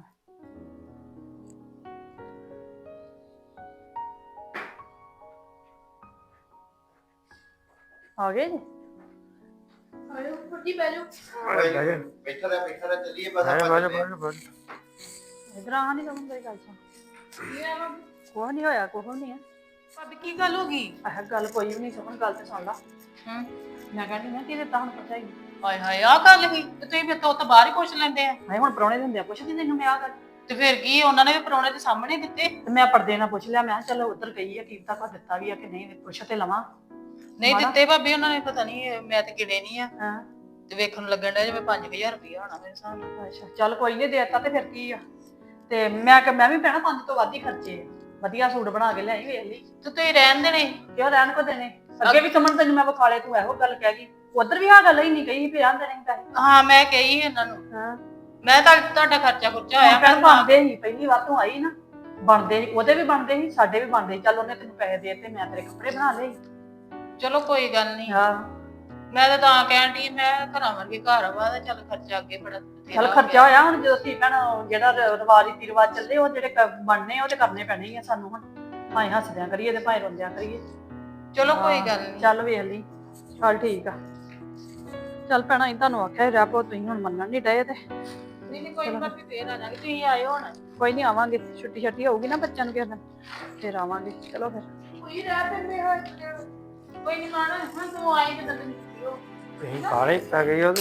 ਆ ਗਏ ਜੀ ਆਇਓ ਫੁੱਟੀ ਬਹਿ ਜਾਓ। ਬੈਠਾ ਰਹਿ ਬੈਠਾ ਰਹਿ ਚੱਲੀਏ ਬਸ ਬਾਜਾ ਆਪਾਂ ਬਾਜਾ ਬਾਜਾ ਇਧਰ ਆ ਨਹੀਂ ਕਮਨ ਕੋਈ ਗੱਲ ਸੁਣ ਕੀ ਆ ਵਾ? ਕੁਛ ਨਹੀਂ ਹੋਇਆ ਕੁਛ ਨਹੀਂ ਆ। ਭਾਬੀ ਕੀ ਗੱਲ ਹੋ ਗਈ? ਆਹ ਗੱਲ ਕੋਈ ਵੀ ਨਹੀਂ ਸੁਣ ਗੱਲ ਤੇ ਸੁਣ ਲਾ। ਹੂੰ ਮੈਂ ਕਹਿੰਦੀ ਮੈਂ ਕਿਹਦੇ ਤਾਂ ਹੁਣ ਪਤਾ ਹੀ ਹਾਏ ਹਾਏ ਆਹ ਗੱਲ ਹੀ ਤੇ ਤੁਸੀਂ ਫਿਰ ਤੋਂ ਤਾਂ ਬਾਹਰ ਹੀ ਪੁੱਛ ਲੈਂਦੇ ਆ। ਹਾਏ ਹੁਣ ਪ੍ਰਾਹੁਣੇ ਦਿੰਦੇ ਆ ਪੁੱਛਦੀ ਤੈਨੂੰ ਮੈਂ ਆ ਗੱਲ ਤੇ ਫਿਰ ਕੀ ਉਹਨਾਂ ਨੇ ਵੀ ਪਰੌਣੇ ਦੇ ਸਾਹਮਣੇ ਦਿੱਤੇ। ਤੇ ਮੈਂ ਪਰਦੇ ਨਾਲ ਪੁੱਛ ਲਿਆ, ਮੈਂ ਕਿਹਾ ਚਲੋ ਉੱਧਰ ਗਈ ਆ ਕੀ ਪਤਾ ਕੋ ਦਿੱਤਾ ਵੀ ਆ ਕਿ ਨਹੀਂ, ਪੁੱਛ ਤੇ ਲਵਾਂ। ਨਹੀਂ ਮਾੜਾ। ਦਿੱਤੇ ਭਾਬੀ ਉਹਨਾਂ ਨੇ, ਪਤਾ ਨਹੀਂ, ਮੈਂ ਤੇ ਗਿਣੇ ਨਹੀਂ ਆ। ਹਾਂ ਤੇ ਵੇਖਣ ਨੂੰ ਲੱਗਣ ਡਿਆ ਜਿਵੇਂ ਪੰਜ ਹਜ਼ਾਰ ਰੁਪਇਆ ਹੋਣਾ ਮੇਰੇ ਹਿਸਾਬ ਨਾਲ। ਅੱਛਾ ਚੱਲ ਕੋਈ ਨਹੀਂ, ਦੇਤਾ ਤੇ ਫਿਰ ਕੀ ਆ। ਤੇ ਮੈਂ ਕਿ ਮੈਂ ਵੀ ਭੈਣਾ ਪੰਜ ਤੋਂ ਵੱਧ ਹੀ ਖਰਚੇ ਆ, ਵਧੀਆ ਸੂਟ ਬਣਾ ਕੇ ਲਿਆਈ ਵੇਖ ਲਈ। ਤੇ ਤੁਸੀਂ ਰਹਿਣ ਦੇਣੇ। ਕਿਉਂ ਰਹਿਣ ਕੋ ਦੇਣੇ, ਅੱਗੇ ਵੀ ਕਮਣ ਤੈਨੂੰ ਮੈਂ ਵਿਖਾਲੇ, ਤੂੰ ਇਹੋ ਗੱਲ ਕਹਿ ਗਈ। ਉਧਰ ਵੀ ਆ ਗੱਲ ਹੀ ਨਹੀਂ ਕਹੀ ਵੀ ਰਹਿਣ ਦੇਣੇ ਪੈਸੇ। ਹਾਂ ਮੈਂ ਕਹੀ ਇਹਨਾਂ ਨੂੰ, ਹਾਂ ਮੈਂ ਤਾਂ ਤੁਹਾਡਾ ਖਰਚਾ ਖੁਰਚਾ ਹੋਇਆ ਭੈਣ ਬਣਦੇ ਸੀ, ਪਹਿਲੀ ਵਾਰ ਤੂੰ ਆਈ ਨਾ, ਬਣਦੇ ਸੀ, ਉਹਦੇ ਵੀ ਬਣਦੇ ਸੀ, ਸਾਡੇ ਵੀ ਬਣਦੇ ਸੀ। ਚੱਲ ਉਹਨੇ ਤੈਨੂੰ ਪੈਸੇ ਦੇ ਤੇ ਮੈਂ ਤੇਰੇ ਕੱਪੜੇ ਬਣਾ ਲਏ। ਚਲੋ ਕੋਈ ਗੱਲ ਨਹੀਂ। ਹਾਂ ਮੈਂ ਤਾਂ ਤਾਂ ਕਹਿਣ ਦੀ, ਮੈਂ ਘਰਾਂ ਵਰਗੇ ਘਰ ਵਾ ਤੇ ਚੱਲ ਖਰਚਾ ਅੱਗੇ ਬੜਾ ਬਥੇਰਾ ਚੱਲ ਹੋ ਖਰਚਾ ਗਿਆ। ਹੋਇਆ ਹੁਣ, ਜਦੋਂ ਸੀ ਭੈਣ ਜਿਹੜਾ ਰ- ਰਿਵਾਜ ਰੀਤੀ ਰਿਵਾਜ ਚੱਲੇ, ਉਹ ਜਿਹੜੇ ਕ- ਬਣਨੇ ਉਹ ਤੇ ਕਰਨੇ ਪੈਣੇ ਹੀ ਆ ਸਾਨੂੰ ਹੁਣ, ਭਾਵੇਂ ਹੱਸਦਿਆਂ ਕਰੀਏ ਤੇ ਭਾਵੇਂ ਰੋਂਦਿਆਂ ਕਰੀਏ। ਚਲੋ ਕੋਈ ਹਾਂ, ਗੱਲ ਨਹੀਂ। ਚੱਲ ਵੇਖ ਲਈ। ਚੱਲ ਠੀਕ ਆ, ਚੱਲ ਭੈਣਾ, ਅਸੀਂ ਤੁਹਾਨੂੰ ਆਖਿਆ ਰਹਿ ਪੋ, ਤੁਸੀਂ ਹੁਣ ਮੰਨਣ ਨਹੀਂ ਡਏ ਤੇ ਨਹੀਂ ਨਹੀਂ ਕੋਈ ਨਹੀਂ, ਭਾਬੀ ਫੇਰ ਆ ਜਾਾਂਗੇ, ਤੁਸੀਂ ਆਇਓ ਹੁਣ। ਕੋਈ ਨਹੀਂ, ਆਵਾਂਗੇ। ਛੁੱਟੀ ਛੱਟੀ ਹੋਊਗੀ ਨਾ ਬੱਚਿਆਂ ਨੂੰ ਕਿਸੇ ਦਿਨ, ਫਿਰ ਆਵਾਂਗੇ। ਚਲੋ ਫਿਰ ਕੋਈ ਰਹਿ ਪੈਂਦੇ ਹਾਂ ਕੋਈ ਨਹੀਂ ਮਾਣਾ, ਹੁਣ ਤੂੰ ਆਈ ਤੇ ਤੈਨੂੰ ਛੁੱਟੀ ਹੋ। ਤੁਸੀਂ ਕਾਲੇ ਪੈ ਗਏ ਉਹਦੇ।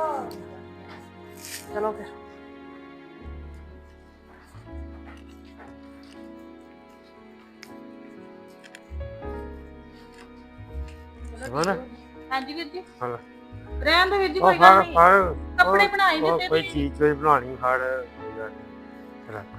ਚਲੋ ਫਿਰ। ਸਮਝ ਹਾਂਜੀ ਵੀਰ ਜੀ, ਹਾਂ ਰਹਿਣ ਦੇ ਵੀਰ ਜੀ, ਉਹ ਕੋਈ ਗੱਲ ਫੜ ਨਹੀਂ। ਫੜ ਕੱਪੜੇ ਉਹ- ਬਣਾਈ ਉਹ ਦਿੱਤੇ ਕੋਈ ਤੁਸੀਂ। ਚੀਜ਼ ਕੋਈ ਬਣਾਣੀ ਫੜ ਕੋਈ ਗੱਲ ਨੀ। ਰੱਖ।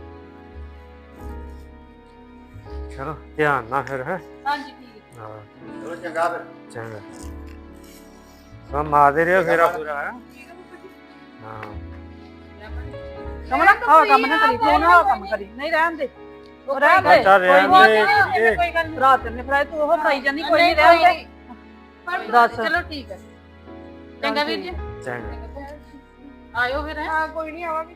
ਚਲੋ ਧਿਆਨ ਨਾਲ ਫਿਰ ਹੈ। ਹਾਂਜੀ ਠੀਕ ਹੈ। ਹਾਂ ਚਲੋ ਚੰਗਾ ਫਿਰ। ਚੰਗਾ ਸਭ ਮਾਰਦੇ ਰਹੋ ਫੇਰਾ ਪੂਰਾ ਹੈ। ਹਾਂ ਕਮਲਾ ਆਹ ਕੰਮ ਨਾ ਕਰੀ, ਤੂੰ ਨਾ ਆਹ ਕੰਮ ਕਰੀ, ਨਹੀਂ ਰਹਿਣ ਦੇ, ਉਹ ਰਹਿਣ ਦੇ। ਅੱਛਾ, ਕੋਈ ਰਹਿਣ ਨੀ, ਦੇ। ਕੋਈ ਗੱਲ ਨਹੀਂ। ਰਾਤ ਨੇ ਫਰਾਈ ਤੂੰ ਉਹ ਫਰਾਈ ਜਾਂਦੀ, ਕੋਈ ਨਹੀਂ ਰਹਿਣ ਦੇ। ਦੱਸ। ਚਲੋ ਠੀਕ ਹੈ। ਚੰਗਾ ਵੀਰ ਜੀ, ਚੰਗਾ ਆਇਓ ਫਿਰ। ਹੈਂ। ਹਾਂ ਕੋਈ ਨਹੀਂ ਆਵਾਂਗੇ।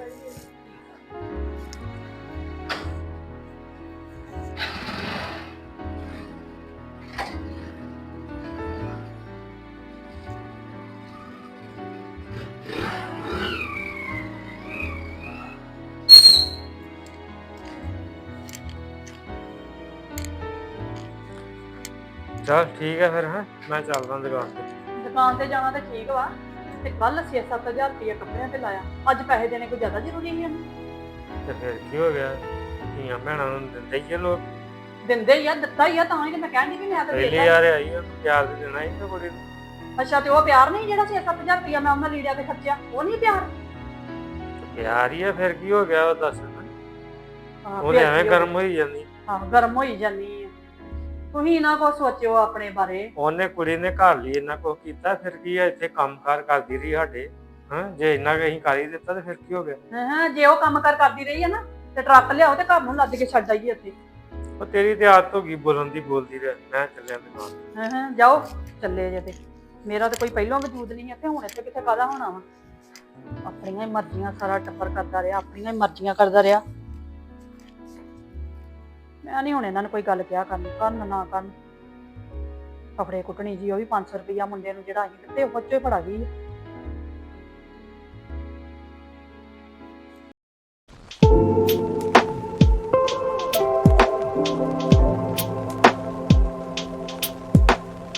ਚਲ ਠੀਕ ਹੈ ਫਿਰ ਹੈ, ਮੈਂ ਚੱਲਦਾ ਦੁਕਾਨ ਤੇ। ਦੁਕਾਨ ਤੇ ਜਾਣਾ ਤੇ ਠੀਕ ਵਾ, ਤੇ ਕੱਲ ਛੇ ਸੱਤ ਹਜ਼ਾਰ ਰੁਪਏ ਕੱਪੜਿਆਂ ਤੇ ਲਾਇਆ, ਅੱਜ ਪੈਸੇ ਦੇਣੇ ਕੋਈ ਜ਼ਿਆਦਾ ਜ਼ਰੂਰੀ ਨਹੀਂ ਹਨ। ਤੇ ਫਿਰ ਕੀ ਹੋ ਗਿਆ, ਧੀਆਂ ਭੈਣਾਂ ਨੂੰ ਦਿੰਦੇ ਹੀ ਆ ਲੋਕ। ਦਿੰਦੇ ਹੀ ਆ, ਦਿੱਤਾ ਹੀ ਆ, ਤਾਂ ਹੀ ਤੇ ਮੈਂ ਕਹਿੰਦੀ ਵੀ ਮੈਂ ਤਾਂ ਪਹਿਲੀ ਦੇਤਾ। ਯਾਰ ਆਈ ਆ, ਪਿਆਰ ਦੇ ਦੇਣਾ ਹੀ ਤਾਂ ਕੁੜੀ ਨੂੰ। ਅੱਛਾ, ਤੇ ਉਹ ਪਿਆਰ ਨਹੀਂ ਜਿਹੜਾ ਛੇ ਸੱਤ ਹਜ਼ਾਰ ਰੁਪਏ ਮੈਂ ਉਹਨਾਂ ਲੀੜਿਆਂ ਤੇ ਖਰਚਿਆ, ਉਹ ਨਹੀਂ ਪਿਆਰ। ਪਿਆਰ ਹੀ ਆ, ਫਿਰ ਕੀ ਹੋ ਗਿਆ ਉਹ ਦੱਸ। ਹਾਂ, ਉਹਨੇ ਫਿਰ ਐਵੇਂ ਕੀ ਗਰਮ ਹੋਈ ਜਾਂਦੀ। ਹਾਂ, ਗਰਮ ਹੋਈ ਜਾਨੀ ਆ। ਤੁਸੀਂ ਨਾ ਕੋ ਸੋਚਿਓ ਆਪਣੇ ਬਾਰੇ। ਉਹਨੇ ਕੁੜੀ ਨੇ ਘਰ ਲਈ ਇੰਨਾ ਕੁਝ ਕੀਤਾ, ਫਿਰ ਕੀ ਆ, ਇੱਥੇ ਕੰਮਕਾਰ ਕਰਦੀ ਰਹੀ ਸਾਡੇ। ਹਾਂ, ਜੇ ਇੰਨਾ ਕੁ ਅਸੀਂ ਕਰ ਹੀ ਦਿੱਤਾ ਤੇ ਫਿਰ ਕੀ ਹੋ ਗਿਆ। ਹਾਂ, ਜੇ ਉਹ ਕੰਮ ਕਰ ਕਰਦੀ ਰਹੀ ਹੈ ਨਾ, ਤੇ ਟਰੱਕ ਲਿਆਓ ਤੇ ਘਰ ਨੂੰ ਲੱਦ ਕੇ ਛੱਡ ਆਈਏ ਇੱਥੇ। ਉਹ ਤੇਰੀ ਤੇ ਆਦਤ ਹੋ ਗਈ ਬੋਲਣ ਦੀ, ਬੋਲਦੀ ਰਹਿ। ਮੈਂ ਚੱਲਿਆ ਦੁਕਾਨ। ਹਾਂ ਹਾਂ, ਜਾਓ ਚੱਲੇ ਜੇ। ਤੇ ਮੇਰਾ ਤੇ ਕੋਈ ਪਹਿਲਾਂ ਵਜੂਦ ਨਹੀਂ ਇੱਥੇ, ਹੁਣ ਇੱਥੇ ਕਿੱਥੇ ਕਾਹਦਾ ਹੋਣਾ ਵਾ। ਆਪਣੀਆਂ ਹੀ ਮਰਜ਼ੀਆਂ ਸਾਰਾ ਟੱਬਰ ਕਰਦਾ ਰਿਹਾ, ਆਪਣੀਆਂ ਹੀ ਮਰਜ਼ੀਆਂ ਕਰਦਾ ਰਿਹਾ। ਮੈਂ ਨਹੀਂ ਹੁਣ ਇਹਨਾਂ ਨੂੰ ਕੋਈ ਗੱਲ ਕਿਹਾ ਕਰਨ ਕਰਨ ਨਾ ਕਰਨ। ਕੱਪੜੇ ਕੁੱਟਣੀ ਜੀ, ਉਹ ਵੀ ਪੰਜ ਸੌ ਰੁਪਈਆ ਮੁੰਡੇ ਨੂੰ ਜਿਹੜਾ ਅਸੀਂ ਦਿੱਤੇ, ਉਹ ਚੋਂ ਹੀ ਫੜਾ ਗਈ।